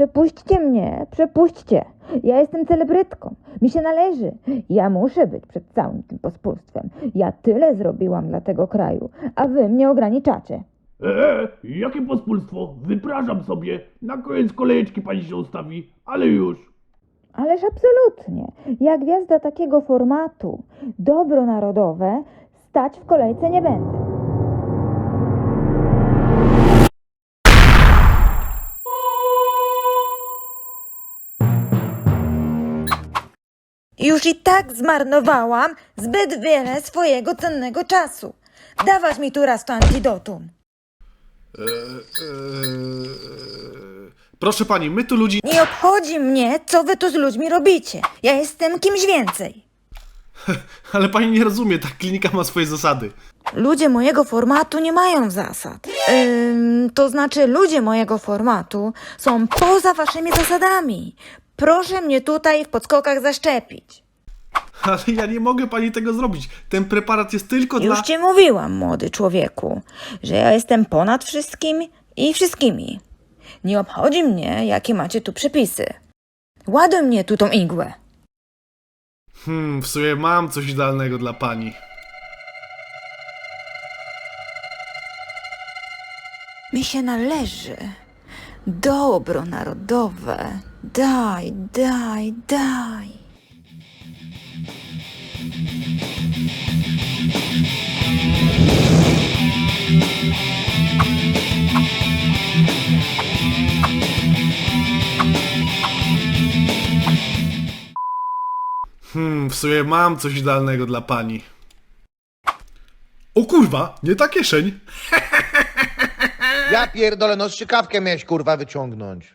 Przepuśćcie mnie, przepuśćcie. Ja jestem celebrytką. Mi się należy. Ja muszę być przed całym tym pospólstwem. Ja tyle zrobiłam dla tego kraju, a wy mnie ograniczacie. Jakie pospólstwo? Wypraszam sobie. Na koniec kolejeczki pani się ustawi, ale już. Ależ absolutnie. Ja gwiazda takiego formatu, dobro narodowe, stać w kolejce nie będę. Już i tak zmarnowałam zbyt wiele swojego cennego czasu. Dawać mi tu raz to antidotum. Proszę pani, my tu ludzi... Nie obchodzi mnie, co wy tu z ludźmi robicie. Ja jestem kimś więcej. Ale pani nie rozumie, ta klinika ma swoje zasady. Ludzie mojego formatu nie mają zasad. To znaczy, ludzie mojego formatu są poza waszymi zasadami. Proszę mnie tutaj w podskokach zaszczepić. Ale ja nie mogę pani tego zrobić. Ten preparat jest tylko dla... Już ci mówiłam, młody człowieku, że ja jestem ponad wszystkim i wszystkimi. Nie obchodzi mnie, jakie macie tu przepisy. Ładuj mnie tu tą igłę. W sumie mam coś idealnego dla pani. Mi się należy. Dobro narodowe. Daj, daj, daj. W sumie mam coś idealnego dla pani. O kurwa, nie ta kieszeń. Ja pierdolę, no strzykawkę miałeś kurwa wyciągnąć.